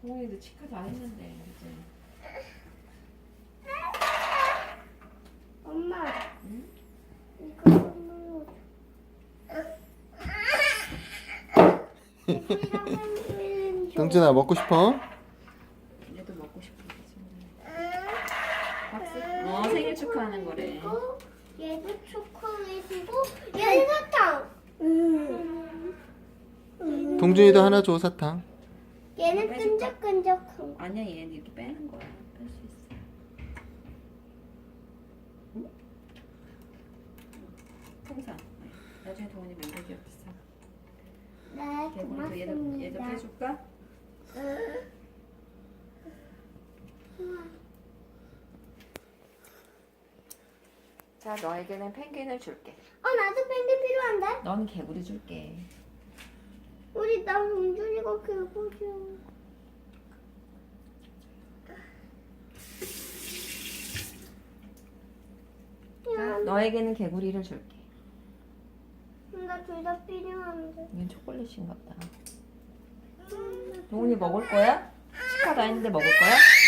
동훈이도 치과 다 했는데 이제. 엄마, 응? 이거 선물로 동진아 먹고 싶어? 얘도 먹고 싶은지. 박수. 생일 축하하는 거래. 그리고 얘도 초콜릿이고 얘는 사탕. 동준이도 하나 줘, 사탕. 얘는 끈적끈적한 거. 아니야, 얘는 이렇게 빼는 거야. 뺄 수 있어. 응? 통상. 나중에 동훈이 멤버 기억 비싸. 네, 개구리도 얘도 고맙습니다. 빼줄까? 자, 너에게는 펭귄을 줄게. 나도 펭귄 필요한데? 넌 개구리 줄게. 우리 나 동준이가 개구리야. 자, 너에게는 개구리를 줄게. 나 둘 다 필요한데. 이건 초콜릿인가 보다. 동훈이 먹을 거야? 치과 다 했는데 먹을 거야?